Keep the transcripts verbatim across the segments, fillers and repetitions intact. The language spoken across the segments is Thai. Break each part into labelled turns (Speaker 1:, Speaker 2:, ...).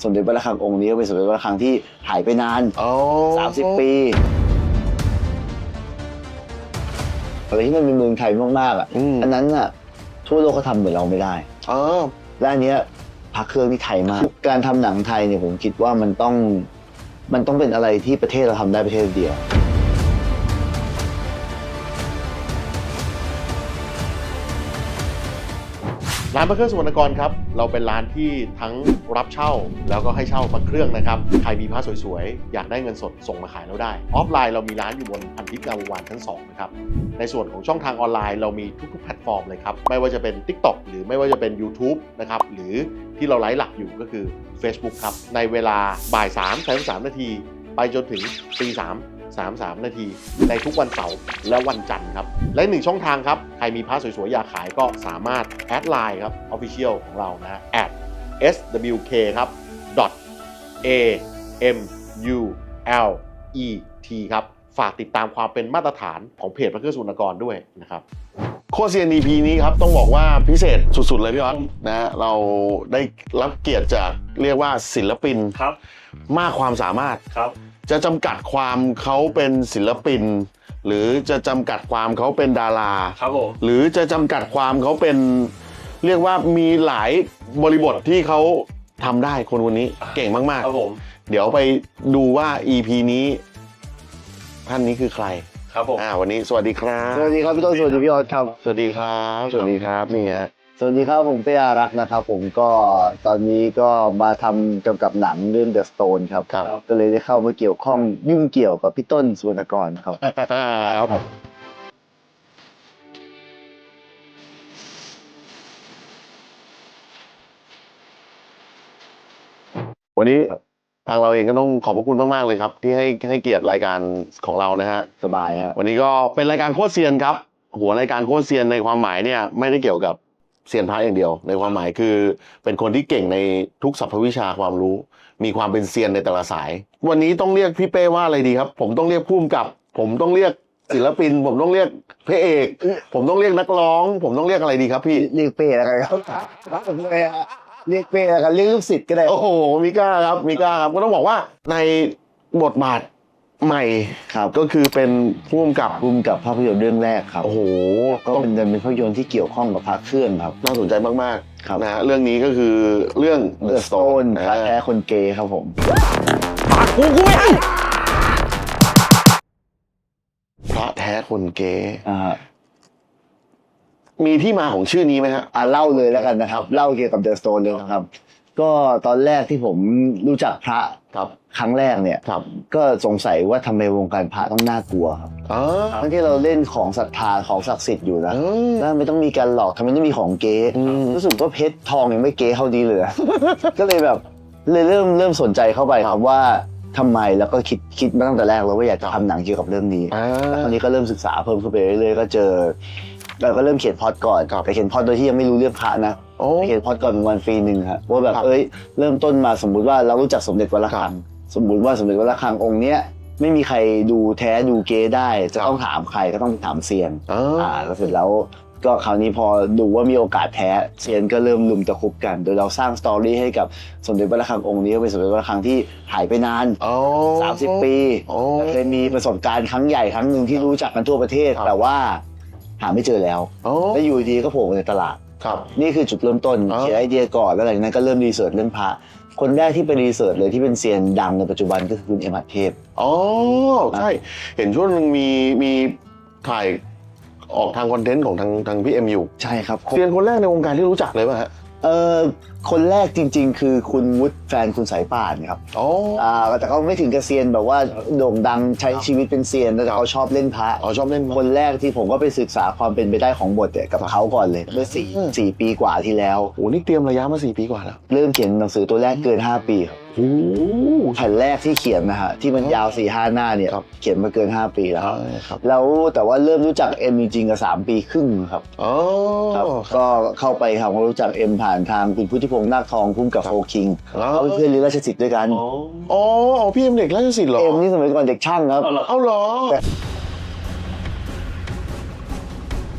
Speaker 1: สมเด็จพระระฆังองค์นี้ก็เป็นสมเด็จพระระฆังที่หายไปนานสามสิบปีอะไรที่มันเป็นเมืองไทยมากๆอ่ะอันนั้นอ่ะทั่วโลกเขาทำเหมือนเราไม่ได้และอันเนี้ยพระเครื่องที่ไทยมากการทำหนังไทยเนี่ยผมคิดว่ามันต้องมันต้องเป็นอะไรที่ประเทศเราทำได้ประเทศเดียว
Speaker 2: ร้านพระเครื่องสุวรรณกรครับเราเป็นร้านที่ทั้งรับเช่าแล้วก็ให้เช่าพระเครื่องนะครับใครมีพระสวยๆอยากได้เงินสดส่งมาขายเราได้ออฟไลน์เรามีร้านอยู่บนพันทิพย์งามวงศ์วานชั้นสองนะครับในส่วนของช่องทางออนไลน์เรามีทุกๆแพลตฟอร์มเลยครับไม่ว่าจะเป็น ติ๊กต็อก หรือไม่ว่าจะเป็น ยูทูบ นะครับหรือที่เราไลฟ์หลักอยู่ก็คือ เฟซบุ๊ก ครับในเวลาบ่ายสามสามสิบสามนาทีไปจนถึงตีสามสามสิบสามนาทีในทุกวันเสาร์และวันจันทร์ครับและหนึ่งช่องทางครับใครมีพระสวยๆอยากขายก็สามารถแอดไลน์ครับ Official ของเรานะ แอท เอส ดับเบิลยู เค ครับ เอ เอ็ม ยู แอล อี ที ครับฝากติดตามความเป็นมาตรฐานของเพจพระเครื่องสุวรรณกรด้วยนะครับ
Speaker 3: โคเซียน อี พี นี้ครับต้องบอกว่าพิเศษสุดๆเลยพี่ออสนะเราได้รับเกียรติจากเรียกว่าศิลปินครับมากความสามารถครับจะจำกัดความเขาเป็นศิลปินหรือจะจำกัดความเขาเป็นดาราครับผมหรือจะจำกัดความเขาเป็นเรียกว่ามีหลายบริบทที่เขาทำได้คนคนนี้เก่งมากๆครับผมเดี๋ยวไปดูว่า อี พี นี้ท่านนี้คือใครครับผมอ่าวันนี้สวัสดีครับ
Speaker 1: สวัสดีครับพี่ต้นสวัสดีพี่ออสครับ
Speaker 3: สวัสดีครับสวัสดีครับนี่ฮะ
Speaker 1: สวัสดีครับผมเต้อารักษ์นะครับผมก็ตอนนี้ก็มาทำเกี่ยวกับหนังเรื่อง The Stone ครับก็เลยได้เข้ามาเกี่ยวข้องยุ่งเกี่ยวกับพี่ต้นสุวรรณกรครับ
Speaker 3: วันนี้ทางเราเองก็ต้องขอบพระคุณมากๆเลยครับที่ให้ให้เกียรติรายการของเรานะฮะ
Speaker 1: สบายครับ
Speaker 3: วันนี้ก็เป็นรายการโคตรเซียนครับหัวรายการโคตรเซียนในความหมายเนี่ยไม่ได้เกี่ยวกับเซียนพระอย่างเดียวในความหมายคือเป็นคนที่เก่งในทุกสรรพวิชาความรู้มีความเป็นเซียนในแต่ละสายวันนี้ต้องเรียกพี่เป้ว่าอะไรดีครับผมต้องเรียกผู้กำกับผมต้องเรียกศิลปินผมต้องเรียกพระเอกผมต้องเรียกนักร้องผมต้องเรียกอะไรดีครับพี่
Speaker 1: เรียกเป้แล้วกันครับเรียกเป้แล้วกันเรียกลูกศิษย์ก็ได้
Speaker 3: โอ้โหมีกล้าครับมีกล้าครับก็ต้องบอกว่าในบทบาทใหม่
Speaker 1: ครับ
Speaker 3: ก็คือเป็นผู้กำกับ
Speaker 1: ผู้กำกับภาพยนตร์เรื่องแรกครับ
Speaker 3: โอ้โห
Speaker 1: ก็เป็นเป็นภาพยนตร์ที่เกี่ยวข้องกับพระเครื่องครับ
Speaker 3: น่าสนใจมากๆนะฮะเรื่องนี้ก็คือเรื่อง
Speaker 1: The Stone พระแท้คนเกย์ครับผม
Speaker 3: ปากกูกูไม่พระแท้คนเกย์มีที่มาของชื่อนี้ไหมฮะ
Speaker 1: อ่าเล่าเลยแล้วกันนะครับเล่าเกี่ยวกับ The Stone เลยนะครับก็ตอนแรกที่ผมรู้จักพระ
Speaker 3: ครับ
Speaker 1: ครั้งแรกเนี่ยก็สงสัยว่าทำไมวงการพระต้องน่ากลัวครับทั้งที่เราเล่นของศรัทธาของศักดิ์สิทธิ์อยู่นะแล้วไม่ต้องมีการหลอกทำไมต้องมีของเก๊รู้สึกว่าเพชรทองยังไม่เก๊เท่านี้เลยก็เลยแบบเลยเริ่มเริ่มสนใจเข้าไปครับว่าทำไมแล้วก็คิดคิดมาตั้งแต่แรกแล้วว่าอยากจะทำหนังเกี่ยวกับเรื่องนี้แล้วคราวนี้ก็เริ่มศึกษาเพิ่มขึ้นไปเรื่อยๆก็เจอเราก็เริ่มเขียนพล็อตก่อนแต่เขียนพล็อตโดยที่ยังไม่รู้เรื่องพระนะเขียนพล็อตก่อนเป็นวันฟรีหนึ่งครับว่าแบบเอ้ยเริ่มต้นมาสมมุติว่าเรารู้จักสมเด็จวัดระฆังสมมุติว่าสมเด็จวัดระฆังองค์เนี้ยไม่มีใครดูแท้ดูเก๊ได้จะต้องถามใครก็ต้องถามเซียนอ่าแล้วเสร็จแล้วก็คราวนี้พอดูว่ามีโอกาสแท้เซียนก็เริ่มลุมตะคุบกันโดยเราสร้างสตอรี่ให้กับสมเด็จวัดระฆังองค์นี้เป็นสมเด็จวัดระฆังที่หายไปนานสามสิบปีเคยมีประสบการณ์ครั้งใหญ่ครั้งหนึ่งที่รู้จักกันทั่วประเทศแต่ว่าหาไม่เจอแล้วแล้วอยู่ดีก็โผล่ในตลาดนี่คือจุดเริ่มต้นเขียนไอเดียก่อนแล้วหลังจากนั้นก็เริ่มรีเสิร์ชเรื่องพระคนแรกที่ไปรีเสิร์ชเลยที่เป็นเซียนดังในปัจจุบันก็คือคุณเอ็มหัตเทพ
Speaker 3: อ๋อใช่เห็นช่วงนึงมีมีถ่ายออกทางคอนเทนต์ของทางทางพี่เอ็มอยู่
Speaker 1: ใช่ครับ
Speaker 3: เซียนคนแรกในวงการที่รู้จักเลยป่ะฮะ
Speaker 1: เออคนแรกจริงๆคือคุณวุฒิแฟนคุณสายป่านครับ
Speaker 3: อ๋อ
Speaker 1: อ่าแต่เขาไม่ถึงกับเซียนแบบว่าโด่งดังใช้ชีวิตเป็นเซียนแต่เขาชอบเล่นพระ
Speaker 3: อ๋อชอบเล่น
Speaker 1: คนแรกที่ผมก็ไปศึกษาความเป็นไปได้ของบทเนี่ยกับเขาก่อนเลยเมื่อสี่สี่ปีกว่าที่แล้ว
Speaker 3: โอ้นี่เตรียมระยะมาสี่ปีกว่าแล้ว
Speaker 1: เริ่มเขียนหนังสือตัวแรกเกินห้าปีครับ
Speaker 3: โอ้
Speaker 1: แผ่นแรกที่เขียนนะฮะที่มันยาว สี่ห้า หน้าเนี่ยเขียนมาเกินห้าปีแล้วแล้วแต่ว่าเริ่มรู้จักเอ็มจริงๆกับสามปีครึ่งครับ
Speaker 3: อ๋อ
Speaker 1: ครับก็เข้าไปครับรู้จักเอ็มผ่านทางคุณพุทธิพงษ์นาคทองพุ่มกับโฟคิงเขาเป็นเพื่อนเรียนราชสิทธิ์ด้วยกัน
Speaker 3: อ๋อพี่เอ็มเด็กราชสิทธิ์เหรอ
Speaker 1: เอ็มนี่สมัยก่อนเด็กช่างครับ
Speaker 3: เอาเหรอ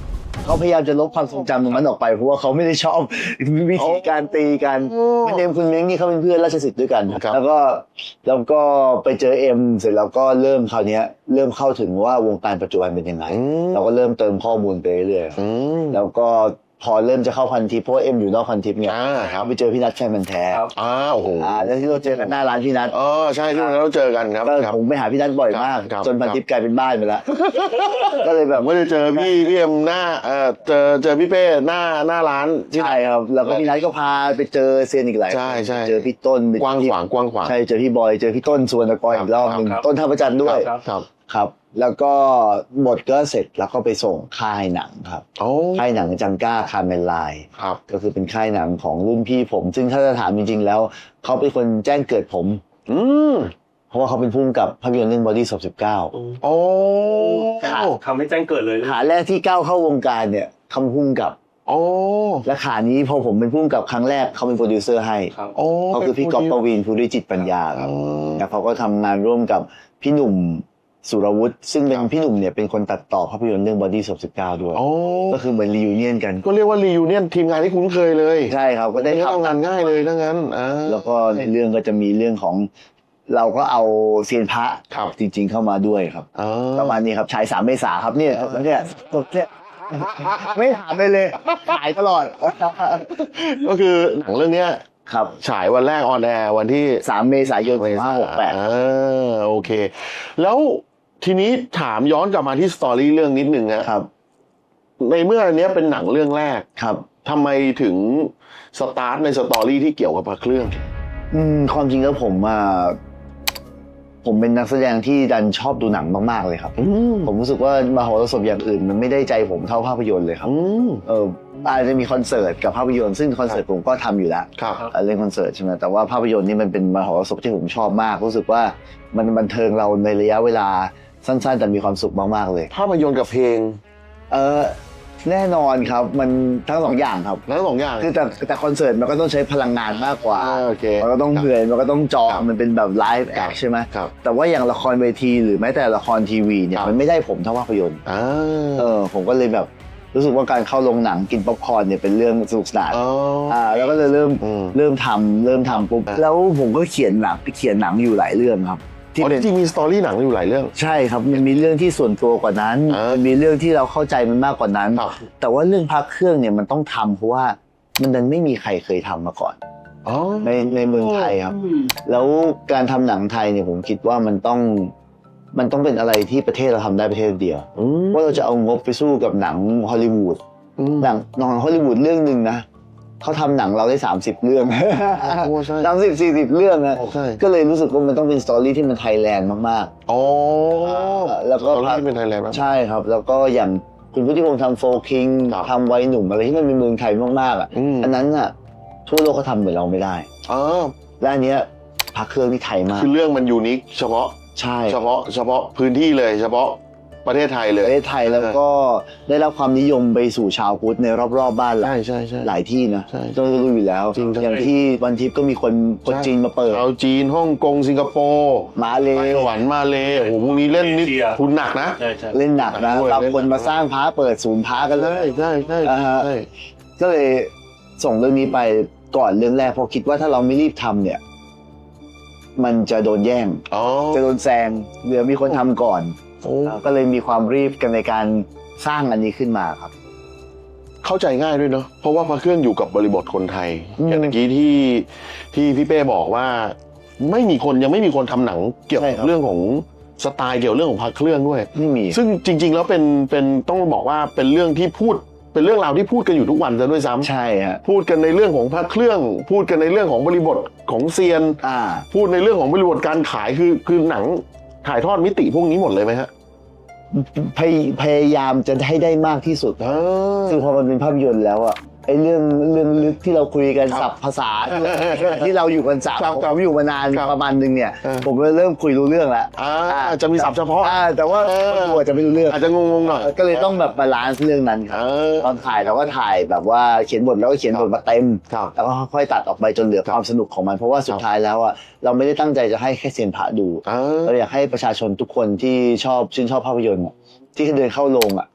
Speaker 1: เขาพยายามจะลบความทรงจำตรงนั้นออกไปเพราะว่าเขาไม่ได้ชอบวิธีการตีกันไม่เอ็มคุณเม้งนี่เขาเป็นเพื่อนราชสิทธิ์ด้วยกันแล้วก็แล้วก็ไปเจอเอ็มเสร็จแล้วก็เริ่มคราวนี้เริ่มเข้าถึงว่าวงการปัจจุบันเป็นยังไงเราก็เริ่มเติมข้อมูลไปเรื่อยๆแล้วก็พอเริ่มจะเข้าพันทิปเพราะว่าเอ็มอยู่นอกพันทิปเนี่ยไปเจอพี่นัทแฟนมันแท้
Speaker 3: อ้าวโอ้โห
Speaker 1: แล้วที่เราเจอกันหน้าร้านพี่นัท
Speaker 3: อ๋อใช่ที่เราเจอกันครับ
Speaker 1: ผมไปหาพี่นัทบ่อยมากจนพันทิปกลายเป็นบ้านไปแล้วก็เลยแบบ
Speaker 3: ไม่ได้เจอพี่พี่เอ็มหน้าเออเจอเจอพี่เป้หน้าหน้าร้าน
Speaker 1: ใช่ครับแล้วก็พี่นัทก็พาไปเจอเซียนอีกหลาย
Speaker 3: ใช่ใช่
Speaker 1: เจอพี่ต้น
Speaker 3: กว้างขวางกว้างขวาง
Speaker 1: ใช่เจอพี่บอยเจอพี่ต้นสุวรรณกรอีกรอบนึงต้นท่าประจันด้วย
Speaker 3: ครับ
Speaker 1: ครับแล้วก็บทก็เสร็จแล้วก็ไปส่งค่ายหนังครับค่ายหนังจังก้าคาร์เมลไลน์ก็คือเป็นค่ายหนังของรุ่นพี่ผมซึ่งถ้าจะถามจริงๆแล้วเขาเป็นคนแจ้งเกิดผมอืมเพราะว่าเขาเป็นผู้กำกับภาพยนตร์เรื่อง Body สิบเก้า
Speaker 3: โอ้
Speaker 4: ทำให้แจ้งเกิดเลย
Speaker 1: ขาแรกที่ก้าวเข้าวงการเนี่ยเขาเป็นผู้กำกับ
Speaker 3: โอ้
Speaker 1: และขานี้พอผมเป็นผู้กำกับครั้งแรกเขาเป็นโปรดิวเซอร์ให้เขาคือพี่ก๊อฟปวีณภูริจิตปัญญาครับแล้วเขาก็ทำงานร่วมกับพี่หนุ่มสุรวุฒิซึ่งเป็นพี่หนุ่มเนี่ยเป็นคนตัดต่อภาพยนตร์เรื่อง Body สิบเก้าด้วยก็คือเหมือนรียูเนียนกัน
Speaker 3: ก็เรียกว่ารียูเนียนทีมงานที่คุ้นเคยเลย
Speaker 1: ใช่ครับก็ได้
Speaker 3: ทำงานง่ายเลยทั้งนั้น
Speaker 1: แล้วก็ในเรื่องก็จะมีเรื่องของเราก็เอาเซียนพระจริงๆเข้ามาด้วยครับประมาณนี้ครับฉายสามเมษาครับเนี่ยเนี่ยเนี่ยไม่ถามเลยเลยขายตลอด
Speaker 3: ก็คือหนังเรื่องเนี้ย
Speaker 1: ครับ
Speaker 3: ฉายวันแรกออนแอร์วันที่
Speaker 1: สามเมษายนสองพันห้าร้อยหกสิบแปด
Speaker 3: เออโอเคแล้วทีนี้ถามย้อนกลับมาที่สตอรี่เรื่องนิดนึงนะครับในเมื่ออันนี้เป็นหนังเรื่องแรก
Speaker 1: ครับ
Speaker 3: ทำไมถึงสตาร์ทในสตอรี่ที่เกี่ยวกับพระเครื่อง
Speaker 1: อืมความจริงแล้วผมอ่ะผมเป็นนักแสดงที่ดันชอบดูหนังมากๆเลยครับผมรู้สึกว่ามหรสพอย่างอื่นมันไม่ได้ใจผมเท่าภาพยนตร์เลยครับเอออาจจะมีคอนเสิร์ตกับภาพยนตร์ซึ่งคอนเสิร์ตผมก็ทำอยู่แล้วเล่นคอนเสิร์ตใช่ไหมแต่ว่าภาพยนตร์นี่มันเป็นมหรสพที่ผมชอบมากรู้สึกว่ามันบันเทิงเราในระยะเวลาสั้นๆแต่มีความสุขมากๆเลย
Speaker 3: ภาพยนตร์กับเพลง
Speaker 1: เออแน่นอนครับมันทั้งสองอย่างครับ
Speaker 3: ทั้งสองอย่าง
Speaker 1: คือแต่แต่คอนเสิร์ตมันก็ต้องใช้พลังงานมากกว่ามันก็ต้องเหนื่อยมันก็ต้องจอมันเป็นแบบไลฟ์แอคใช่ไหมแต่ว่าอย่างละครเวทีหรือแม้แต่ละครทีวีเนี่ยมันไม่ได้ผมเท่าภาพยนตร์เออผมก็เลยแบบรู้สึกว่าการเข้าโรงหนังกินป๊อปคอร์นเนี่ยเป็นเรื่องสนุกสนานอ่าแล้วก็เลยเริ่มเริ่มทำเริ่มทำปุ๊บแล้วผมก็เขียนหนังเขียนหนังอยู่หลายเรื่องครับ
Speaker 3: ที่จริงมีสตอรี่หนังอยู่หลายเรื่อง
Speaker 1: ใช่ครับมันมีเรื่องที่ส่วนตัวกว่านั้นมันมีเรื่องที่เราเข้าใจมันมากกว่านั้นแต่ว่าเรื่องพระเครื่องเนี่ยมันต้องทำเพราะว่ามันดันไม่มีใครเคยทำมาก่อนในในเมืองไทยครับแล้วการทำหนังไทยเนี่ยผมคิดว่ามันต้องมันต้องเป็นอะไรที่ประเทศเราทำได้ประเทศเดียวว่าเราจะเอางบไปสู้กับหนังฮอลลีวูดหนังหนังฮอลลีวูดเรื่องนึงนะเขาทำหนังเราได้สามสิบเรื่องสามสิบ สี่สิบเรื่องนะก็เลยรู้สึกว่ามันต้องเป็นสตอรี่ที่มันไทยแลนด์มาก
Speaker 3: ๆอ๋อ
Speaker 1: แล้วก็
Speaker 3: ที่เป็นไทยแลนด์
Speaker 1: ใช่ครับแล้วก็อย่างคุณพุทธิพงษ์ทำโฟร์คิงทำไว้หนุ่มอะไรที่มันเป็นเมืองไทยมากๆอ่ะอันนั้นอ่ะทั่วโลกเขาทำเหมือนเราไม่ได้
Speaker 3: อ๋อ
Speaker 1: และอันเนี้ยพระเครื่องที่ไทยมาก
Speaker 3: คือเรื่องมันยูนิคเฉพาะ
Speaker 1: ใช่
Speaker 3: เฉพาะเฉพาะพื้นที่เลยเฉพาะประเทศไทยเลย
Speaker 1: ประเทศไทยแล้วก็ได้รับความนิยมไปสู่ชาวพุทธในรอบๆบ้านเรา
Speaker 3: ใช่ใช่ใช่
Speaker 1: หลายที่นะต้องรู้อยู่แล้วอย่างที่วันทิพย์ก็มีคนคนจีนมาเปิด
Speaker 3: ชาวจีนฮ่องกงสิงคโปร์
Speaker 1: มาเล
Speaker 3: ไต้หวันมาเลโอ้โหพวกนี้เล่นนี่ทุนหนักนะ
Speaker 1: เล่นหนักนะบางคนมาสร้างพระเปิดศูนย์พระกันเลย
Speaker 3: ใช่ใช่ใช่
Speaker 1: ก็เลยส่งเรื่องนี้ไปก่อนเรื่องแรกเพราะคิดว่าถ้าเราไม่รีบทำเนี่ยมันจะโดนแย่งจะโดนแซงเดี๋ยวมีคนทำก่อนก็เลยมีความรีบกันในการสร้างอันนี้ขึ้นมาครับ
Speaker 3: เข้าใจง่ายด้วยเนาะเพราะว่าพระเครื่องอยู่กับบริบทคนไทยอย่างเมื่อกี้ที่ที่พี่เป้บอกว่าไม่มีคนยังไม่มีคนทำหนังเกี่ยวกับเรื่องของสไตล์เกี่ยวเรื่องของพระเครื่องด้วย
Speaker 1: ไม่มี
Speaker 3: ซึ่งจริงๆแล้วเป็นเป็นต้องบอกว่าเป็นเรื่องที่พูดเป็นเรื่องราวที่พูดกันอยู่ทุกวันซะด้วยซ้ำ
Speaker 1: ใช่ฮะ
Speaker 3: พูดกันในเรื่องของพระเครื่องพูดกันในเรื่องของบริบทของเซียนพูดในเรื่องของบริบทการขายคือคือหนังถ่ายทอดมิติพวกนี้หมดเลยไหมฮะ
Speaker 1: พยายามจะให้ได้มากที่สุดซึ่งพอมันเป็นภาพยนตร์แล้วอะไอ้เรื่องเรื่องลึกที่เราคุยกันศัพท์ภาษาที่เราอยู่กันสามผมอยู่มานานประมาณนึงเนี่ยผมเริ่มคุยรู้เรื่องแล้ว
Speaker 3: จะมีศัพท์เฉพาะ
Speaker 1: แต่ว่าตัวจะไม่รู้เรื่อง
Speaker 3: อาจจะงงๆหน่อย
Speaker 1: ก็เลยต้องแบบบาลานซ์เรื่องนั้นครับตอนถ่ายเราก็ถ่ายแบบว่าเขียนบทแล้วก็เขียนบทมาเต็มแล้วก็ค่อยๆตัดออกไปจนเหลือความสนุกของมันเพราะว่าสุดท้ายแล้วอะเราไม่ได้ตั้งใจจะให้แค่เซียนพระดูเราอยากให้ประชาชนทุกคนที่ชอบชื่นชอบภาพยนตร์ที่เดินเข้าโรงอ่ะ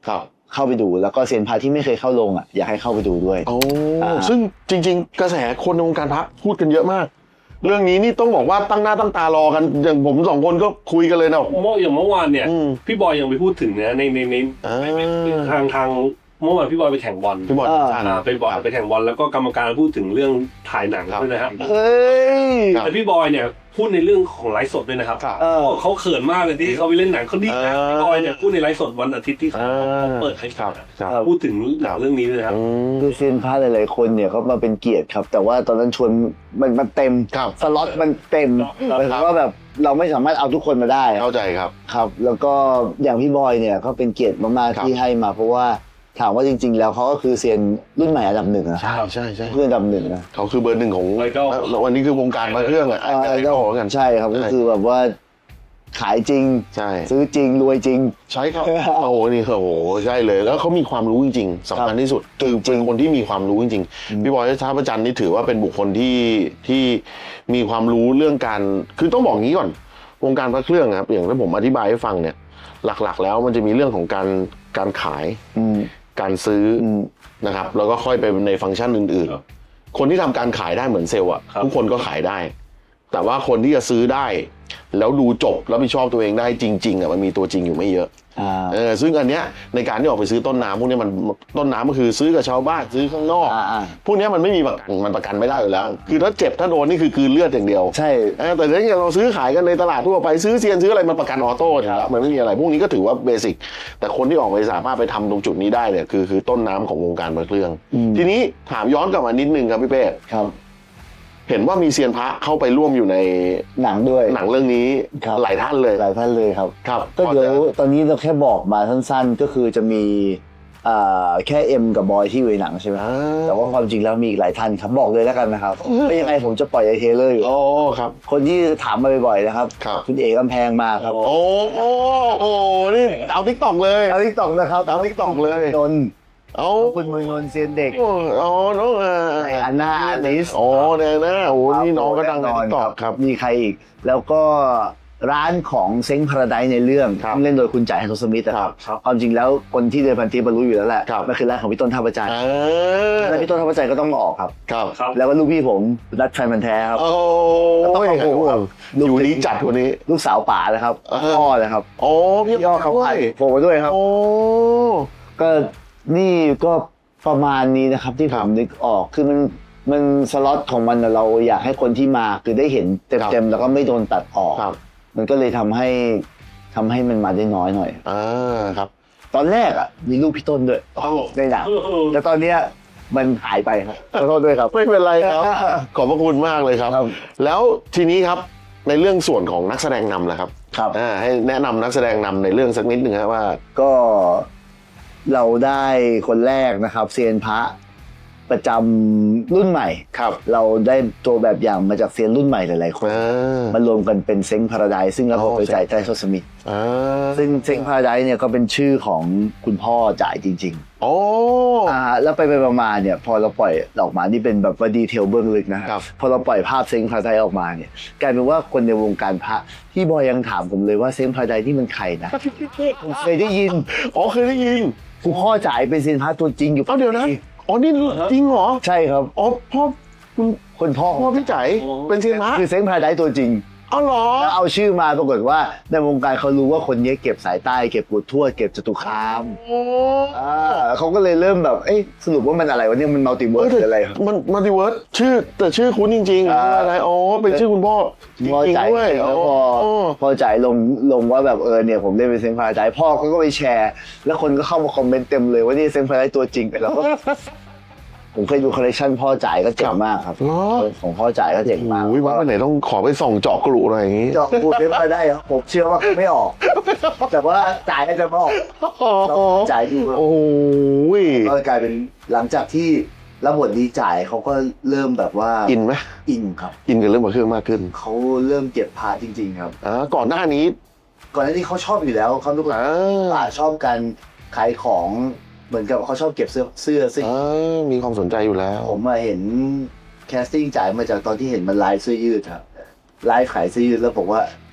Speaker 1: เข้าไปดูแล้วก็เซียนพระที่ไม่เคยเข้าลงอ่ะอยากให้เข้าไปดูด้วย
Speaker 3: โอ้
Speaker 1: อ่า
Speaker 3: ซึ่งจริง ๆ กระแสคนในวงการพระพูดกันเยอะมาก เรื่องนี้นี่ต้องบอกว่าตั้งหน้าตั้งตารอกันอย่างผมสองคนก็คุยกันเลยนะ
Speaker 4: เมื่ออย่างเมื่อวานเนี่ย
Speaker 3: อืม
Speaker 4: พี่บอยยังไปพูดถึงนะในในใน
Speaker 3: อ่า
Speaker 4: ทางทางเมื่อวานพี่บอยไปแข่งบอล
Speaker 3: พี่บอล
Speaker 1: อ่า
Speaker 3: ท่าน
Speaker 4: อ่าไปบอลไปแข่งบอลแล้วก็กรรมการพูดถึงเรื่องถ่ายหนัง
Speaker 3: ครับ
Speaker 4: ด้วยนะครับ
Speaker 1: เอ้ย
Speaker 3: ครับ
Speaker 4: แต่พี่บอยเนี่ยพูดในเรื่องของไลฟ์สดด้วยนะครับ
Speaker 3: ครับ
Speaker 1: เออ
Speaker 4: เขาเขินมากเลยที่เขาไปเล่นหนังเขาดีนะ
Speaker 3: เออ
Speaker 4: พี่บอยเนี่ยพูดในไลฟ์สดวันอาทิตย์ที่เขา
Speaker 3: อ่า
Speaker 4: เปิดให้
Speaker 3: ครับครับ
Speaker 4: พูดถึงหนังเรื่องนี้ด้วยนะครับ
Speaker 3: อืม
Speaker 1: คือเซียนพระหลายๆคนเนี่ยเขามาเป็นเกียรติครับ แต่ว่าตอนนั้นชวนมันมันเต็ม
Speaker 3: ครับ
Speaker 1: สล็อตมันเต็ม
Speaker 4: ครับ
Speaker 1: หมายถึงว่าแบบเราไม่สามารถเอาทุกคนมาได้อะ
Speaker 3: เข้าใจครับ
Speaker 1: ครับ แล้วก็อย่างพี่บอยเนี่ยเขาเป็นเกียรติมาก
Speaker 3: ครับ
Speaker 1: ๆที่ให้มาเพราะว่าถามว่าจริง ๆ แล้วเขาก็คือเซียนรุ่นใหม่อันดับหนึ่งนะ
Speaker 3: ใช่ใช่ใช่
Speaker 1: เพื่อนอันดับหนึ่งนะ
Speaker 3: เขาคือเบอร์หนึ่งของ
Speaker 4: ไอดอล
Speaker 3: แล้ววันนี้คือวงการพระเครื่องอะ
Speaker 1: เออ
Speaker 3: ไอดอลกัน
Speaker 1: ใช่ครับก็คือแบบว่าขายจริง
Speaker 3: ใช่
Speaker 1: ซื้อจริงรวยจริง
Speaker 3: ใช่ครับ โอ้โหนี่โอ้โหใช่เลยแล้วเขามีความรู้จริงๆสำคัญที่สุดคือเป็นคนที่มีความรู้จริงๆพี่บอยท่าพระจันทร์นี่ถือว่าเป็นบุคคลที่ที่มีความรู้เรื่องการคือต้องบอกงี้ก่อนวงการพระเครื่องครับอย่างที่ผมอธิบายให้ฟังเนี่ยหลักๆ แล้วมันจะมีเรื่องของการการขาย
Speaker 1: อืม
Speaker 3: การซื้ออ
Speaker 1: อืม
Speaker 3: นะครับแล้วก็ค่อยไปในฟังก์ชันอื่น
Speaker 4: ครับ
Speaker 3: ๆ คนที่ทำการขายได้เหมือนเซลล์อ่ะ
Speaker 4: ครับ
Speaker 3: ทุกคนก็ขายได้ แต่ว่าคนที่จะซื้อได้ แล้วดูจบแล้วผิดชอบตัวเองได้จริงๆอ่ะมันมีตัวจริงอยู่ไม่เยอะ
Speaker 1: อ่า
Speaker 3: เออซึ่งอันเนี้ยในการที่ออกไปซื้อต้นน้ำพวกเนี้ยมันต้นน้ำก็คือซื้อกับชาวบ้านซื้อข้างนอก
Speaker 1: อ่าอ่า
Speaker 3: พวกเนี้ยมันไม่มีประกันมันประกันไม่ได้อยู่แล้ว คือถ้าเจ็บถ้าโดนนี่คือคืนเลือดอย่างเดียว
Speaker 1: ใช่
Speaker 3: เออแต่ถ้าอย่างเราซื้อขายกันในตลาดทั่วไปซื้อเซียนซื้ออะไรมันประกันออโต้อยู่แล้วมันไม่มีอะไรพวกนี้ก็ถือว่าเบสิกแต่คนที่ออกไปสามารถไปทำตรงจุดนี้ได้เนี่ยคือคือต้นน้ำของวงการพระเครื่อง
Speaker 1: อืม
Speaker 3: ทีนี้ถามย้อนกลับมานิดนึงครับพี่เป้
Speaker 1: ครับ
Speaker 3: เห็นว่ามีเซียนพระเข้าไปร่วมอยู่ใน
Speaker 1: หนังด้วย
Speaker 3: หนังเรื่องนี้
Speaker 1: ครับ
Speaker 3: หลายท่านเลย
Speaker 1: หลายท่านเลยครับ
Speaker 3: ครับ
Speaker 1: ก็เดี๋ยวตอนนี้เราแค่บอกมาสั้นๆ ก็คือจะมีอ่าแค่เอ็มกับบอยที่อยู่ในหนังใช่ไหม
Speaker 3: อ่า
Speaker 1: แต่ว่าความจริงแล้วมีอีกหลายท่านครับบอกเลยแล้วกันนะครับไม่ยังไงผมจะปล่อยไอเทเลอร์อยู่
Speaker 3: โอ้ครับ
Speaker 1: คนที่ถามมาบ่อยๆนะครับ
Speaker 3: ครับ
Speaker 1: คุณเอกกำแพงมาครับ
Speaker 3: โอ้โอ้โอ้นี่เอาทิกตอกเลย
Speaker 1: เอาทิกตอกนะครับ
Speaker 3: เอา TikTok เลย
Speaker 1: นนท์
Speaker 3: เอา
Speaker 1: คุณมือนนท์เซียนเด็ก
Speaker 3: โอ้อ๋อน้องอ่า
Speaker 1: ในอันนาอลิส
Speaker 3: อ๋อเนี่ยนะโอ้นี่น้องก็ดังในทิกตอกครับ
Speaker 1: มีใครอีก แล้วก็ร้านของเซ้งพาราไดซ์ในเรื่อง
Speaker 3: ครับ
Speaker 1: เล่นโดยคุณจ่ายฮันโทสมิธนะครับ
Speaker 4: ครับ
Speaker 1: ความจริงแล้วคนที่เดินพันทิปมารู้อยู่แล้วแหละ
Speaker 3: ครับ
Speaker 1: มันคือร้านของพี่ต้นท่าประจันทร์
Speaker 3: อ่า
Speaker 1: แล้วพี่ต้นท่าประจันทร์ก็ต้องมาออกครับ
Speaker 3: ครับ
Speaker 4: ครับ
Speaker 1: แล้วก็ลูกพี่ผมรัดแฟนมันธุ์แท้ครับ
Speaker 3: โอ้
Speaker 1: ต้อง
Speaker 3: ย
Speaker 1: ขอบคุณครับ
Speaker 3: อยู่นี้จัดวันนี้
Speaker 1: ลูกสาวป๋านะครับ
Speaker 3: เออ
Speaker 1: พ่อนะครับ
Speaker 3: โอ้พี่
Speaker 1: พี่อ้อเขา
Speaker 3: ด้ว
Speaker 1: ไป
Speaker 3: ย
Speaker 1: โผล่มาด้วยครับ
Speaker 3: โอ้
Speaker 1: ก็นี่ก็ประมาณนี้นะครับที่ผ
Speaker 3: ครั
Speaker 1: ม
Speaker 3: บ
Speaker 1: นึกออกคือมันมันสล็อตของมันน่ะเราอยากให้คนที่มาคือได้เห็น
Speaker 3: ครับ
Speaker 1: เต็มๆแล้วก็ไม่โดนตัดออก
Speaker 3: ครับ
Speaker 1: มันก็เลยทำให้ทำให้มันมาได้น้อยหน่อย
Speaker 3: อ่าครับ
Speaker 1: ตอนแรกอ่ะมีรูปพี่ต้นด้วยในหนังแต่ตอนเนี้ยมันหายไปครับขอโทษด้วยครับ
Speaker 3: ไม่เป็นไรครับ ขอบพระคุณมากเลยครับ
Speaker 1: ครับ
Speaker 3: แล้วทีนี้ครับในเรื่องส่วนของนักแสดงนำนะครับ
Speaker 1: ครับ
Speaker 3: อ่าให้แนะนำนักแสดงนำในเรื่องสักนิดหนึ่งครับว่า
Speaker 1: ก็เราได้คนแรกนะครับเซียนพระประจำรุ่นใหม่
Speaker 3: ครับ
Speaker 1: เราได้ตัวแบบอย่างมาจากเซียนรุ่นใหม่หลายๆคน
Speaker 3: อ่าม
Speaker 1: ารวมกันเป็นเซ้งพาราไดซ์ซึ่งรับบทโดยจ่ายใจโซสมิธ
Speaker 3: อ่า
Speaker 1: ซึ่งเซ้งพาราไดซ์เนี่ยก็เป็นชื่อของคุณพ่อจ่ายจริง
Speaker 3: โอ้
Speaker 1: ๆอ่าแล้วไปไปมาๆเนี่ยพอเราปล่อยออกมานี่เป็นแบบว่าดีเทลเบื้องลึกนะครับ พอเราปล่อยภาพเซ้งพาราไดซ์ออกมาเนี่ยกลายเป็นว่าคนในวงการพระที่บอยยังถามผมเลยว่าเซ้งพาราไดซ์นี่มันใครนะผมเคยได้ยิน
Speaker 3: อ๋อเคยได้ยิน
Speaker 1: คุณพ่อจ่ายเป็นเซียนพระตัวจริงอยู่
Speaker 3: เอ้าเดี๋ยวนะ อ๋อนี่จริงเหรอ
Speaker 1: ใช่ครับ
Speaker 3: อ๋อพ่อคุณ
Speaker 1: คนพ่อ
Speaker 3: พ่อพี่จ๋ายเป็นเซียนพระ
Speaker 1: คือเซ้งพาราไดซ์ตัวจริง
Speaker 3: อ๋อเหรอ
Speaker 1: แล้วเอาชื่อมาปรากฏว่าในวงการเขารู้ว่าคนนี้เก็บสายใต้เก็บปูทวดเก็บจตุคาม
Speaker 3: โอ้
Speaker 1: อ่าเขาก็เลยเริ่มแบบเอ๊ะสรุปว่ามันอะไรวะเนี่ยมันมัลติเวิร์สหรืออะไรครับ
Speaker 3: มันมัลติเวิร์สชื่อแต่ชื่อคุ้นจริงๆ
Speaker 1: อ่า
Speaker 3: อะไรอ๋อเป็นชื่อคุณพ่อจ
Speaker 1: พอ
Speaker 3: ริง
Speaker 1: จ่าย
Speaker 3: ๆด้วย
Speaker 1: แล้วพอ
Speaker 3: อ๋อ
Speaker 1: พอจ่ายลงลงว่าแบบเออเนี่ยผมเล่นเป็นเซนพาราไดซ์พ่อเขาก็ไปแชร์ แล้วคนก็เข้ามาคอมเมนต์เต็มเลยว่านี่เซนพาราไดซ์ตัวจริงแล้วก็ ผมเคยดูคอลเลคชันพ่อจ่ายก็เจ๋งมากครับ
Speaker 3: เหรอ
Speaker 1: ของพ่อจ่ายก็เจ๋งมาก
Speaker 3: โอ้ยว่าวันไหนต้องขอไปส่องเจาะกรุหน่อยอย่างงี้
Speaker 1: เจาะพูดเซนพาราไดซ์ครับผมเชื่อว่าไม่ออก แต่ว่าจ่ายก็จะไม่ออกแล้วจ่ายดู
Speaker 3: โอ้ย
Speaker 1: ก็กลายเป็นหลังจากที่รับบทดีจ่ายเขาก็เริ่มแบบว่า
Speaker 3: อินไหม
Speaker 1: อินครับ
Speaker 3: อินกับเรื่องมาเครื่องมากขึ้น
Speaker 1: เขาเริ่มเก็บพาจริง ๆ ครับ
Speaker 3: อ่าก่อนหน้านี้
Speaker 1: ก่อนหน้านี้เขาชอบอยู่แล้วเขาทุกคน
Speaker 3: อ่า
Speaker 1: ป่าชอบการขายของเหมือนกับเขาชอบเก็บเสื้อเสื้อซึ่ง
Speaker 3: อ่ามีความสนใจอยู่แล้ว
Speaker 1: ผมมาเห็นแคสติ้งจ่ายมาจากตอนที่เห็นมันไลฟ์เสื้อยืดครับไลฟ์ขายเสื้อยืดแล้วบอกว่า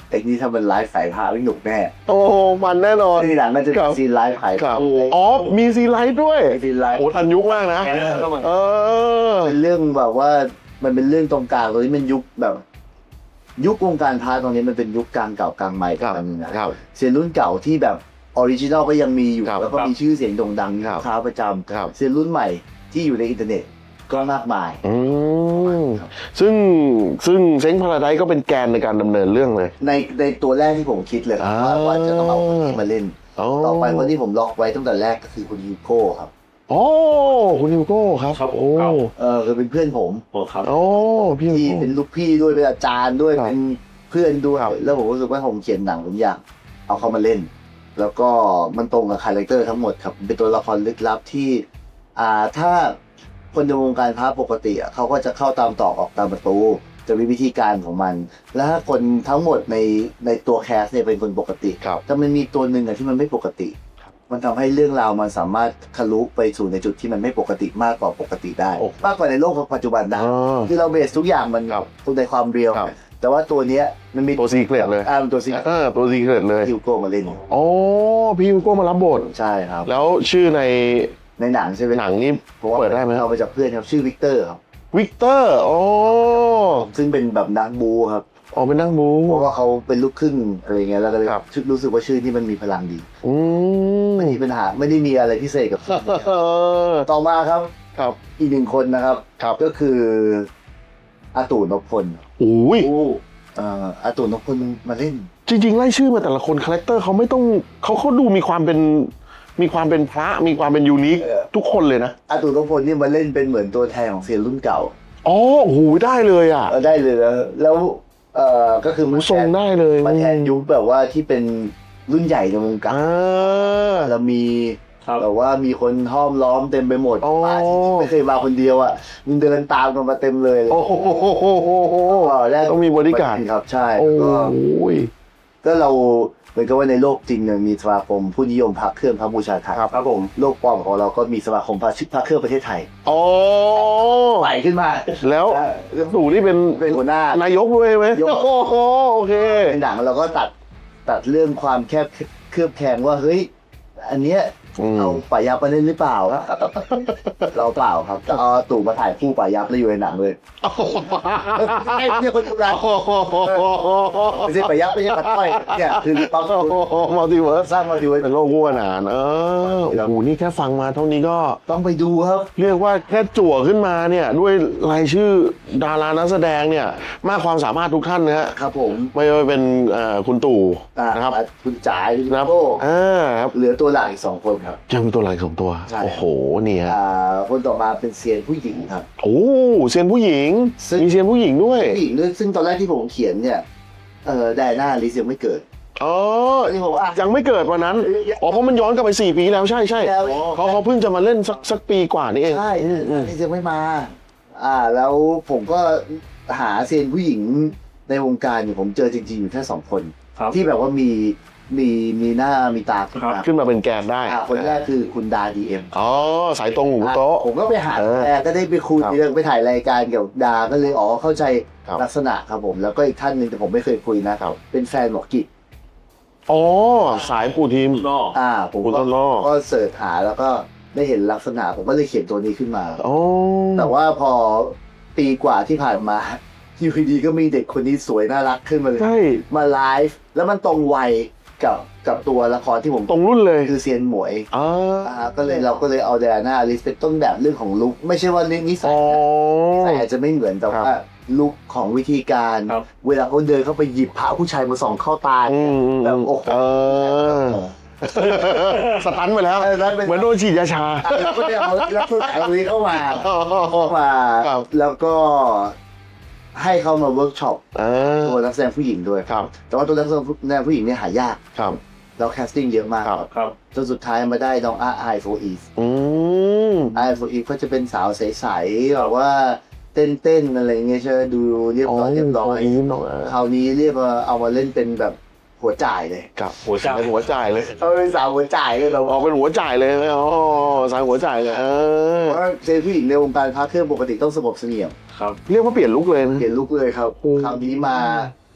Speaker 1: ไอ้นี่ถ้ามันไลฟ์สายพาไม่หนุกแน่
Speaker 3: โอ้มันแน่นอน
Speaker 1: ที่หลังก็จะ
Speaker 3: ครับ
Speaker 1: ซีนไลฟ์ขาย
Speaker 3: ครับอ๋อมีซีไลท์ด้วย
Speaker 1: ซีนไลฟ์
Speaker 3: โอ้ทันยุคมากนะเออ
Speaker 1: เป็นเรื่องแบบว่ามันเป็นเรื่องตรงกลางตรงนี้มันยุคแบบ ยุควงการพาร์ทตรงนี้มันเป็นยุคกลางเก่ากลางใหม่
Speaker 3: ครับ
Speaker 1: กันนะครับเซียนรุ่นเก่าที่แบบออริจินอลก็ยังมีอยู่
Speaker 3: ครับ
Speaker 1: แล้วก็มีชื่อเสียงโด่งดังมี
Speaker 3: ครับ
Speaker 1: ลูกค้าประจ
Speaker 3: ครับ
Speaker 1: ำเซียนรุ่นใหม่ที่อยู่ในอินเทอร์เน็ตก็มากมาย
Speaker 3: อืมซึ่งซึ่งเซ้งพาราไดซ์ก็เป็นแกนในการดำเนินเรื่องเลย
Speaker 1: ในในตัวแรกที่ผมคิดเลยครับ
Speaker 3: อ่า
Speaker 1: ว่าว่าจะต้องเอาคนนี้มาเล่น
Speaker 3: อ๋อ
Speaker 1: ต่อไปคนที่ผมล็อกไว้ตั้งแต่แรกก็คือคุณยูโก้ครับ
Speaker 3: โอ้คุณฮิวโก้ครับ
Speaker 4: ครับผม
Speaker 3: โอ้
Speaker 4: ครับ
Speaker 1: เออคือเป็นเพื่อนผม
Speaker 4: โอ้ครับ
Speaker 3: โอ้พี่ฮิว
Speaker 1: ที่
Speaker 3: โก้
Speaker 1: เป็นลูกพี่ด้วยเป็นอาจารย์ด้วย
Speaker 3: ครับ
Speaker 1: เป็นเพื่อนด้วย
Speaker 3: ครับ
Speaker 1: แล้วผมรู้สึกว่าผมเขียนหนังผมอยากเอาเขามาเล่น แล้วก็มันตรงกับคาแรคเตอร์ทั้งหมดครับเป็นตัวละครลึกลับที่อ่าถ้าคนในวงการพระปกติอ่ะเขาก็จะเข้าตามตอกออกตามประตูจะมีวิธีการของมัน แล้วถ้าคนทั้งหมดในในตัวแคสเนี่ยเป็นคนปกติ
Speaker 3: ครับ
Speaker 1: แต่มันมีตัวหนึ่งอะที่มันไม่ปกติ มันทำให้เรื่องราวมันสามารถทะลุไปสู่ในจุดที่มันไม่ปกติมากกว่าปกติได้
Speaker 3: โอ้
Speaker 1: มากกว่าในโลกปัจจุบันได้
Speaker 3: อ๋อ
Speaker 1: คือเราเบสทุกอย่างมัน
Speaker 3: ครับ
Speaker 1: ตรงในความเรียว
Speaker 3: ครับ
Speaker 1: แต่ว่าตัวเนี้ยมันมี
Speaker 3: ตัวซีเครตเลย
Speaker 1: อ่ามันตัวซี
Speaker 3: เออตัวซีเครตเลย
Speaker 1: ฮิวโก้มาเล่น
Speaker 3: โอ้พี่ฮิวโก้มารับบท
Speaker 1: ใช่ครับ
Speaker 3: แล้วชื่อใน
Speaker 1: ในหนังใช่ไหม
Speaker 3: หนังนี่
Speaker 1: ผมว่า
Speaker 3: เปิดได้ไหม
Speaker 1: เอาไปจากเพื่อนครับชื่อวิกเตอร์ครับ
Speaker 3: วิกเตอร์โอ้
Speaker 1: ซึ่งเป็นแบบนักบูครับ
Speaker 3: ออกเป็นนักบู
Speaker 1: เพราะว่าเขาเป็นลูกครึ่งอะไรเงี้ยแล้วก็เลย
Speaker 3: ครับ
Speaker 1: รู้สึกว่าชื่อนี้มันมีพลังดี
Speaker 3: อืม
Speaker 1: ไม่มีปัญหาไม่ได้มีอะไรพิเศษกับ
Speaker 3: เออ
Speaker 1: ต่อมาครับ
Speaker 3: ครับ
Speaker 1: อีกหนึ่งคนนะครับ
Speaker 3: ครับ
Speaker 1: ก็คืออาตู่นพพล
Speaker 3: โอ้ย
Speaker 1: เอ่ออาตู่นพพลมาเล่น
Speaker 3: จริงๆไล่ชื่อมาแต่ละคนคาแรคเตอร์เขาไม่ต้องเขาเขาดูมีความเป็นมีความเป็นพระมีความเป็นยูนิค
Speaker 1: เออ
Speaker 3: ทุกคนเลยนะ
Speaker 1: อาตู่นพพลนี่มาเล่นเป็นเหมือนตัวแทนของเซียนรุ่นเก่า
Speaker 3: อ๋อโอ้โหได้เลยอ่ะ
Speaker 1: เออได้เลยแล้วแล้วเอ่อก็คือ
Speaker 3: หู
Speaker 1: มา
Speaker 3: ทรง
Speaker 1: แทน
Speaker 3: ได้เลย
Speaker 1: มาแทนยุคแบบว่าที่เป็นรุ่นใหญ่ในวงการ
Speaker 3: อ่า
Speaker 1: แล้วมี
Speaker 4: ครับ
Speaker 1: แบบว่ามีคนห้อมล้อมเต็มไปหมด
Speaker 3: อ๋อ
Speaker 1: มาที่ไม่เคยมาคนเดียวอ่ะมึงเดินตามกันมาเต็มเลย
Speaker 3: โอ้โห
Speaker 1: ก็แรก
Speaker 3: ต้องมีบริการด
Speaker 1: ครับใช่
Speaker 3: โอ้
Speaker 1: ก็
Speaker 3: ย
Speaker 1: ก็เราเหมือนกับว่าในโลกจริงเนี่ยมีสมาคมผู้นิยมพระเครื่องพระบูชาไทย
Speaker 3: ครับ
Speaker 4: ครับผม
Speaker 1: โลกปลอมของเราก็มีสมาคมพระชิพระเครื่องประเทศไทย
Speaker 3: อ๋อ
Speaker 1: ไหลขึ้นมา
Speaker 3: แล้ว
Speaker 1: เออ
Speaker 3: สู่นี่เป็น
Speaker 1: เป็นหัวหน้าน
Speaker 3: ายกด้วยไหม
Speaker 1: ยก
Speaker 3: โอ้โหโอเค
Speaker 1: ในหนังเราก็ตัดตัดเรื่องความแคบเคลือบแคลงว่าเฮ้ยอันเนี้ย
Speaker 3: อืม
Speaker 1: เอาป่ายับมาเล่นหรือเปล่า เราเปล่าครับเอาตู่มาถ่ายคู่ป่ายับแล้วอยู่ในหนังเลยไม่ใช่คนทำร้ายไม่ใช่ป่ายับไม่ใช่ปัดต้อยเนี่ยคือปั๊บ
Speaker 3: มัลติเวิร์ส
Speaker 1: สร้างมาดู
Speaker 3: เป็นโลกวัวหนานเออโอ้โหนี่แค่ฟังมาเท่านี้ก็
Speaker 1: ต้องไปดูครับ
Speaker 3: เรียกว่าแค่จั่วขึ้นมาเนี่ยด้วยรายชื่อดารานักแสดงเนี่ยมากความสามารถทุกท่านนะฮะ
Speaker 1: ครับผม
Speaker 3: ไม่ว่าเป็นเอ่อคุณตู่
Speaker 1: อ่า
Speaker 3: นะครับ
Speaker 1: คุณจ๋าคุณ
Speaker 3: นะครับ
Speaker 1: โก้
Speaker 3: อ่าครับ
Speaker 1: เหลือตัวหลักอีกสองคนครับ
Speaker 3: ยังมีตัวหลักสองตัว
Speaker 1: ใช่
Speaker 3: โอ้โหนี่ฮะ
Speaker 1: อ่าคนต่อมาเป็นเซียนผู้หญิงครับ
Speaker 3: โอ้เซียนผู้หญิง
Speaker 1: ซึ่ง
Speaker 3: มีเซียนผู้หญิงด้วย
Speaker 1: ผู้หญิงด้วยซึ่งตอนแรกที่ผมเขียนเนี่ยเออไดอาน่าลิซยังไม่เกิด
Speaker 3: อ๋อ
Speaker 1: ที่ผมอ่ะ
Speaker 3: ยังไม่เกิดวันนั้นอ๋อเพราะมันย้อนกลับไปสี่ปีแล้วใช่ใช่
Speaker 1: แล้ว
Speaker 3: เขาเขาเพิ่งจะมาเล่นสักสักปีกว่านี่เอง
Speaker 1: ใช่ลิซยังไม่มา อ่า แล้วผมก็หาเซียนผู้หญิงในวงการเนี่ยผมเจอจริงๆอยู่แค่สองคน
Speaker 4: ครับ
Speaker 1: ที่แบบว่ามีมีมีหน้ามีตาขึ้นมา
Speaker 3: ขึ้นมาเป็นแกนได้
Speaker 1: อ่าคนแรกคือคุณดาดีเอ็ม
Speaker 3: อ๋อสายตรงหูโต๊ะ
Speaker 1: ผมก็ไปหา
Speaker 3: เออ
Speaker 1: แอร์ก็ได้ไปคุย
Speaker 3: ครับ
Speaker 1: เรื่องไปถ่ายรายการเกี่ยวกับดาก็เลยอ๋อเข้าใจ
Speaker 3: ครับ
Speaker 1: ลักษณะครับผม แล้วก็อีกท่านหนึ่งแต่ผมไม่เคยคุยนะครับ เป็นแฟนหมอกิจ
Speaker 3: อ๋อสายปูทีม
Speaker 4: นอก
Speaker 1: อ่า ผม
Speaker 3: คุณ
Speaker 1: ก็
Speaker 3: ต้นอ้อ
Speaker 1: ก็เสิร์ชหาแล้วก็ได้เห็นลักษณะผมก็เลยเขียนตัวนี้ขึ้นมา
Speaker 3: อ๋อ
Speaker 1: แต่ว่าพอปีกว่าที่ผ่านมาอยู่ดีๆก็มีเด็กคนนี้สวยน่ารักขึ้นมาเลย
Speaker 3: ใช่
Speaker 1: มาไลฟ์แล้วมันตรงวัยกับกับตัวละครที่ผม
Speaker 3: ตรงรุ่นเลย
Speaker 1: คือเซียนหมวย
Speaker 3: อ๋อ
Speaker 1: อ่าก็เลยเราก็เลยเอาเดอาน่าลิสเป็นต้นแบบเรื่องของลุคไม่ใช่ว่าเรื่องนิสั
Speaker 3: อ๋
Speaker 1: ย
Speaker 3: อ
Speaker 1: นะแต่อาจจะไม่เหมือนแต่
Speaker 3: ครับ
Speaker 1: ว่าลุคของวิธีการ
Speaker 4: ครับ
Speaker 1: เวลาเขาเดินเข้าไปหยิบพระผู้ชายมาส่องเข้าตา
Speaker 3: อืม
Speaker 1: แบบโอ้โห
Speaker 3: เออสตันไปแล้ว
Speaker 1: เออแล้วเป็น
Speaker 3: เหมือนโดนฉีดยาชา
Speaker 1: อ่ะเราก็ได้เอาลักษณะตรงนี้เข้ามาเข้ามา
Speaker 3: ครับ
Speaker 1: แล้วก็ให้เขามาเวิร์กช็อป
Speaker 3: อ่า
Speaker 1: ตัวนักแสดงผู้หญิงด้วย
Speaker 3: ครับ
Speaker 1: แต่ว่าตัวนักแสดงผู้หญิงเนี่ยหายาก
Speaker 3: ครับ
Speaker 1: แล้วแคสติ้งเยอะมาก
Speaker 3: ครับ
Speaker 4: ครับ
Speaker 1: จนสุดท้ายมาได้น้องอาไอโฟอีฟ
Speaker 3: อืม
Speaker 1: ไอโฟอีฟก็จะเป็นสาวใสๆแบบว่าเต้นๆอะไรเงี้ยใช่ไหมดูเรียบร้อยเรียบร้อย
Speaker 3: อีน้องอ่ะ
Speaker 1: คราวนี้เรียกว่าเอามาเล่นเป็นแบบหัวจ่ายเลย
Speaker 3: กับ
Speaker 4: หัวจ่าย
Speaker 3: เป็นหัวจ่ายเลย
Speaker 1: เอาเป็นสาวหัวจ่ายเลยเรา
Speaker 3: ออกเป็นหัวจ่ายเลยอ๋อสายหัวจ่ายเลยเออ
Speaker 1: เพราะว่าเจนผู้หญิงในวงการพระเครื่องปกติต้องสงบเสงี่ยม
Speaker 4: ครับ
Speaker 3: เรียกว่าเปลี่ยนลุกเลยนะ
Speaker 1: เปลี่ยนลุคเลยครับ
Speaker 3: โอ้
Speaker 1: คราวนี้มา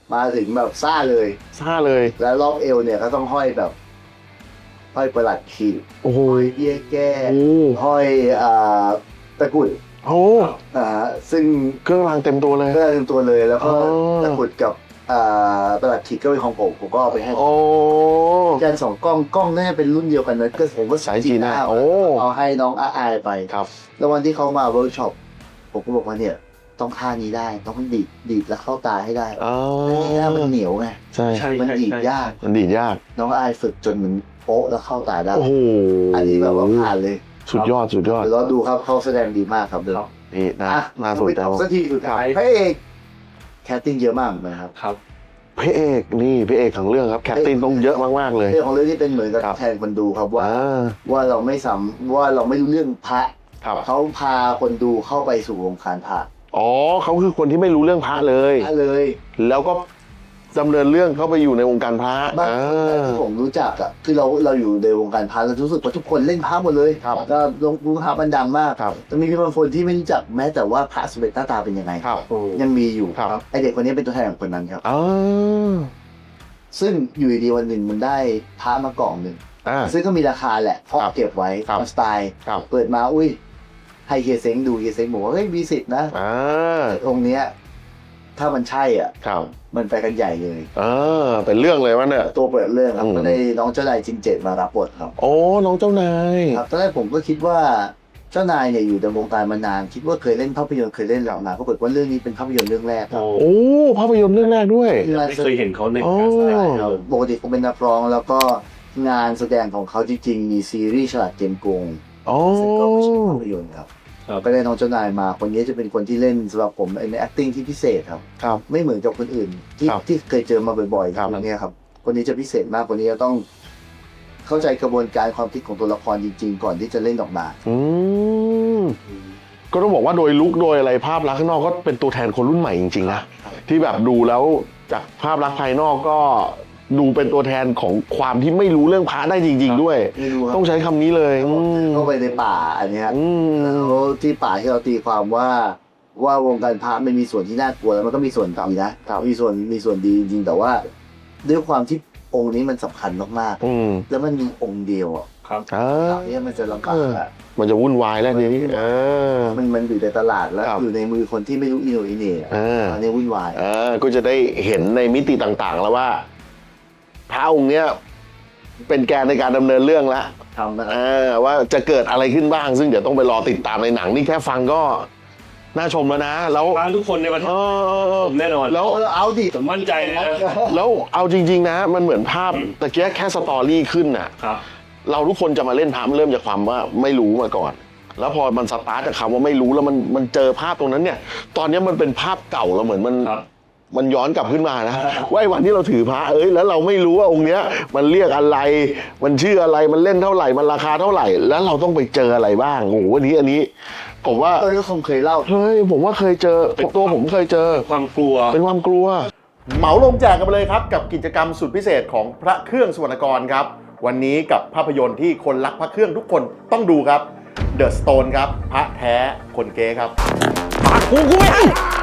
Speaker 1: มาถึงแบบซ่าเลย
Speaker 3: ซ่าเลย
Speaker 1: แล้วรอบเอวเนี่ยก็ต้องห้อยแบบห้อยประหลัดขีด
Speaker 3: โอ้โห
Speaker 1: ห้อยเบี้ยแก้
Speaker 3: โอ้
Speaker 1: ห้อยอ่าตะกรุด
Speaker 3: โอ้
Speaker 1: อ่าซึ่ง
Speaker 3: เครื่องรางเต็มตัวเลย
Speaker 1: ก็เต็มตัวเลยแล้วก็
Speaker 3: อ๋อ
Speaker 1: ตะกรุดกับอ่าประหลัดขีดก็เป็นของผมผมก็เอาไปให้
Speaker 3: โอ้
Speaker 1: ยันสองกล้องกล้องน่าจะเป็นรุ่นเดียวกันนะก็ผมก็
Speaker 3: สายจีน่าโอ้
Speaker 1: เอาให้น้องอาอายไป
Speaker 3: ครับ
Speaker 1: แล้ววันที่เขามาเวิร์กช็อปผมก็บอกว่าเนี่ยต้องท่านี้ได้ต้องดีดดีดแล้วเข้าตาให้ได้
Speaker 3: อ๋อ
Speaker 1: นี่นะมันเหนียวไง
Speaker 3: ใช่
Speaker 4: ใช่
Speaker 1: มัน
Speaker 4: ใช่
Speaker 1: ดีด
Speaker 4: ใช่
Speaker 1: ยาก
Speaker 3: มันดีดยาก
Speaker 1: น้องอายฝึกจนมันโป๊ะแล้วเข้าตาได้
Speaker 3: โอ้โห
Speaker 1: อันนี้แบบว่าผ่านเลย
Speaker 3: สุดยอดสุดยอด
Speaker 1: เดี๋ยวเราดูครับเขาแสดงดีมากครับเดี๋ยว
Speaker 4: ครับ
Speaker 3: นี่นะ
Speaker 1: อ่ะ
Speaker 3: น่าสนใจ
Speaker 1: สักทีสุดท้ายพระเอกแคสติ้งเยอะมากนะครับ
Speaker 4: ครับ
Speaker 3: พระเอกนี่พระเอกของเรื่องครับแคสติ้งต้องเยอะมากๆเลย
Speaker 1: เรื่องของเรื่องนี้เป็นเหมือนกับ
Speaker 3: ครับ
Speaker 1: แทนคนดูครับว่า
Speaker 3: อ่า
Speaker 1: ว่าเราไม่สำว่าเราไม่รู้เรื่องพระ
Speaker 3: ครับ
Speaker 1: เขาพาคนดูเข้าไปสู่วงการพระ
Speaker 3: อ๋อเขาคือคนที่ไม่รู้เรื่องพระเลย
Speaker 1: พระเลย
Speaker 3: แล้วก็ดำเนินเรื่องเข้าไปอยู่ในวงการพระ
Speaker 1: บ้าง
Speaker 3: อ่า
Speaker 1: ที่ผมรู้จักอ่ะคือเราเราอยู่ในวงการพระเรารู้สึกว่าทุกคนเล่นพระหมดเลย
Speaker 3: ครับ
Speaker 1: ก็ลงรู้พระมันดังมาก
Speaker 3: ครับ
Speaker 1: จะมีบางคนที่ไม่รู้จักแม้แต่ว่าพระสมเด็จหน้าตาเป็นยังไง
Speaker 3: ครับ
Speaker 1: ยังมีอยู่
Speaker 3: ครับ
Speaker 1: ไอเด็กคนนี้เป็นตัวแทนของคนนั้นครับ
Speaker 3: อ๋อ
Speaker 1: ซึ่งอยู่ดีๆวันหนึ่งมันได้พระมากล่องหนึ่ง
Speaker 3: อ่า
Speaker 1: ซึ่งก็มีราคาแหละเพราะ
Speaker 3: ครับ
Speaker 1: เก็บไว้
Speaker 3: ครับ
Speaker 1: ตามสไตล์
Speaker 3: ครับ
Speaker 1: เปิดมาอุ้ยให้เฮียเซ้งดูเฮียเซ้งบอกว่าเฮ้ยมีสิทธิ์นะ
Speaker 3: อ่า
Speaker 1: องค์เนี้ยถ้ามันใช่อ่ะ
Speaker 3: ครับ
Speaker 1: มันไปกันใหญ่เลย
Speaker 3: เออเป็นเรื่องเลยวะเนี่ย
Speaker 1: ตัวเปิดเรื่องครับ
Speaker 3: อืม
Speaker 1: ก็ได้น้องเจ้านายจินเจ็ดมารับบทครับ
Speaker 3: โอ้น้องเจ้านาย
Speaker 1: ครับตอนแรกผมก็คิดว่าเจ้านายเนี่ยอยู่ในวงการมานาน คิดว่าเคยเล่นภาพยนตร์เคยเล่นหลังมาปรากฏว่าเรื่องนี้เป็นภาพยนตร์เรื่องแรกครับ
Speaker 3: โอ้ภาพยนตร์เรื่องแรกด้วย
Speaker 4: ไม่เคยเห็นเขาใน
Speaker 3: โอ้
Speaker 4: การแสดง
Speaker 1: ครับปกติเขาเป็นนักร้องแล้วก็งานแสดงของเขาจริงๆมีซีรีส์ฉลาดเกมโกง
Speaker 3: โอ้
Speaker 1: ซึ่งก็ไม่ใช่ภาพยนตร์ครับ
Speaker 4: ครับ
Speaker 1: ก็ได้น้องเจ้านายมาคนนี้จะเป็นคนที่เล่นสำหรับผมใน acting ที่พิเศษครับ
Speaker 3: ครับ
Speaker 1: ไม่เหมือนกับคนอื่นที่
Speaker 3: ครับ
Speaker 1: ที่เคยเจอมาบ่อยๆ
Speaker 3: ครับ
Speaker 1: คนนี้ครับคนนี้จะพิเศษมากคนนี้จะต้องเข้าใจกระบวนการความคิดของตัวละครจริงๆ ก่อนที่จะเล่นออกมา
Speaker 3: อืมก็ต้องบอกว่าโดยลุคโดยอะไรภาพลักษณ์ข้างนอกก็เป็นตัวแทนคนรุ่นใหม่จริงๆนะที่แบบดูแล้วจากภาพลักษณ์ภายนอกก็ดูเป็นตัวแทนของความที่ไม่รู้เรื่องพระได้จริง ๆ ด้วย
Speaker 1: ไม่รู้ครับ
Speaker 3: ต้องใช้คำนี้เลยอืม
Speaker 1: เข้าไปในป่าอันเนี้ย
Speaker 3: อืม
Speaker 1: แล้วที่ป่าที่เราตีความว่าว่าวงการพระมันมีส่วนที่น่ากลัวแล้วมันก็มีส่วนดีนะมีส่วนมีส่วนดีจริงๆแต่ว่าด้วยความที่องค์นี้มันสำคัญมาก
Speaker 3: อืม
Speaker 1: ๆแล้วมันมีองค์เดียวอ่ะ
Speaker 4: ครับ
Speaker 3: อ่า
Speaker 1: อันนี้มันจะลำบากอะ
Speaker 3: มันจะวุ่นวายแล้วทีนี้เออ
Speaker 1: มันมันอยู่ในตลาดแล้ว
Speaker 3: ครับ
Speaker 1: อยู่ในมือคนที่ไม่รู้อิโหนอิเหน่
Speaker 3: เออ
Speaker 1: อันนี้วุ่นวาย
Speaker 3: เออก็จะได้เห็นในมิติต่างๆ แล้วว่าพระองค์เนี้ยเป็นแกนในการดำเนินเรื่องแล้ว
Speaker 1: ทำนะค
Speaker 3: เอ
Speaker 1: รับ
Speaker 3: อว่าจะเกิดอะไรขึ้นบ้าง ซึ่งเดี๋ยวต้องไปรอติดตามในหนังนี่แค่ฟังก็น่าชมแล้วนะ แล้ว
Speaker 4: มาทุกคนในประเท
Speaker 3: เอ
Speaker 4: ศ
Speaker 3: อ
Speaker 4: ผมแน่นอน
Speaker 3: แล้ว
Speaker 1: เออเอาดิ
Speaker 4: ผมมั่นใจเลยนะ
Speaker 3: แล้วเอาจริง ๆ นะ มันเหมือนภาพตะเกียแค่สตอรี่ขึ้นน่ะ
Speaker 4: ครับ
Speaker 3: เราทุกคนจะมาเล่นพระมันเริ่มจากความว่าไม่รู้มาก่อน แล้วพอมันสตาร์ทจากคำว่าไม่รู้แล้วมันมันเจอภาพตรงนั้นเนี่ย ตอนนี้มันเป็นภาพเก่าแล้วเหมือนมัน
Speaker 4: ครับ
Speaker 3: มันย้อนกลับขึ้นมานะว่าไอ้วันที่เราถือพระเอ้ยแล้วเราไม่รู้ว่าองค์เนี้ยมันเรียกอะไร มันชื่ออะไรมันเล่นเท่าไหร่มันราคาเท่าไหร่ แล้วเราต้องไปเจออะไรบ้างโอ้โหวันนี้อันนี้ผมว่า
Speaker 1: เออก็คงเคยเล่า
Speaker 3: เฮ้ยผมว่าเคยเจอตัวผมเคยเจอ
Speaker 4: ความกลัว
Speaker 3: เป็นความกลัว
Speaker 2: เหมาลงแจกกันไปเลยครับกับกิจกรรมสุดพิเศษของพระเครื่องสุวรรณกรครับวันนี้กับภาพยนตร์ที่คนรักพระเครื่องทุกคนต้องดูครับ The Stone ครับพระแท้คนเก๊ครับปากกูกูไม่ให้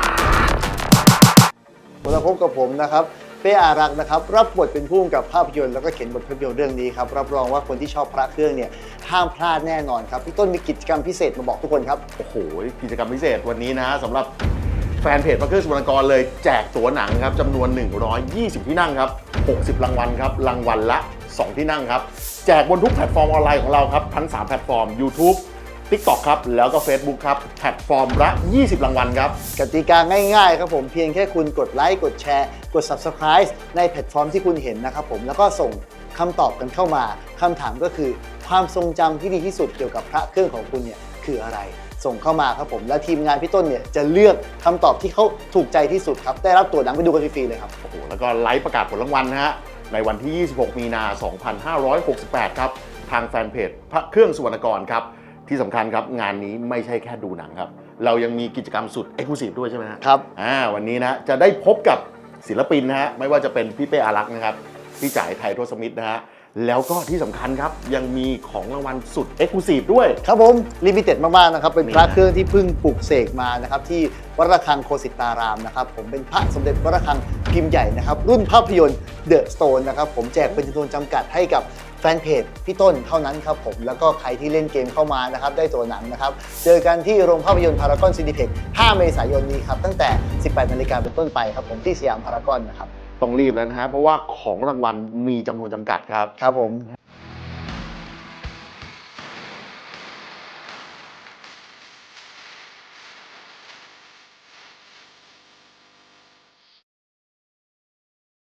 Speaker 1: มาพบกับผมนะครับเป้อารักษ์นะครับรับบทเป็นผู้กำกับภาพยนตร์แล้วก็เขียนบทภาพยนตร์เรื่องนี้ครับรับรองว่าคนที่ชอบพระเครื่องเนี่ยห้ามพลาดแน่นอนครับพี่ต้นมีกิจกรรมพิเศษมาบอกทุกคนครับ
Speaker 2: โอ้โหกิจกรรมพิเศษวันนี้นะฮะสำหรับแฟนเพจพระเครื่องสุวรรณกรเลยแจกตั๋วหนังครับจำนวน หนึ่งร้อยยี่สิบ ที่นั่งครับหกสิบรางวัลครับรางวัลละ สอง ที่นั่งครับแจกบนทุกแพลตฟอร์มออนไลน์ของเราครับทั้งสามแพลตฟอร์ม YouTube TikTok ครับแล้วก็ Facebook ครับแพลตฟอร์มละยี่สิบรางวัลครับ
Speaker 1: กติกาง่ายๆครับผมเพียงแค่คุณกดไลค์กดแชร์กด Subscribe ในแพลตฟอร์มที่คุณเห็นนะครับผมแล้วก็ส่งคำตอบกันเข้ามาคำถามก็คือความทรงจำที่ดีที่สุดเกี่ยวกับพระเครื่องของคุณเนี่ยคืออะไร ส่งเข้ามาครับผมและทีมงานพี่ต้นเนี่ยจะเลือกคำตอบที่เขาถูกใจที่สุดครับได้รับตั๋วหนังไปดูกันฟรีๆเลยครับ
Speaker 2: โอ้โหแล้วก็ไลฟ์ประกาศผลรางวัลนะฮะในวันที่ ยี่สิบหก มีนาคม สองพันห้าร้อยหกสิบแปด ครับทางแฟนเพจพระเครื่องสุวรรณกรครับที่สำคัญครับงานนี้ไม่ใช่แค่ดูหนังครับเรายังมีกิจกรรมสุด Exclusive ด้วยใช่ไหมฮะ
Speaker 1: ครับ
Speaker 2: อ่าวันนี้นะจะได้พบกับศิลปินนะฮะไม่ว่าจะเป็นพี่เป้อารักษ์นะครับพี่จ่ายไทยโทสมิธนะฮะแล้วก็ที่สำคัญครับยังมีของรางวัลสุด Exclusive ด้วย
Speaker 1: ครับผมลิมิเต็ดมากๆนะครับเป็นพระ
Speaker 2: นี่นะ
Speaker 1: เครื่องที่เพิ่งปลูกเสกมานะครับที่วัดระฆังโคสิตารามนะครับผมเป็นพระสมเด็จวัดระฆังเกพิมพ์ใหญ่นะครับรุ่นภาพยนตร์ The Stone นะครับผมแจกเป็นจำนวนจำกัดให้กับแฟนเพจพี่ต้นเท่านั้นครับผมแล้วก็ใครที่เล่นเกมเข้ามานะครับได้ตัวหนังนะครับเจอกันที่โรงภาพยนตร์พารากอนซินิเพ็กซ์ห้าเมษายนนี้ครับตั้งแต่สิบแปดนาฬิกาเป็นต้นไปครับผมที่สยามพารากอนนะครับ
Speaker 2: ต้องรีบแล้วนะฮะเพราะว่าของรางวัลมีจำนวนจำกัดครับ
Speaker 1: ครับผม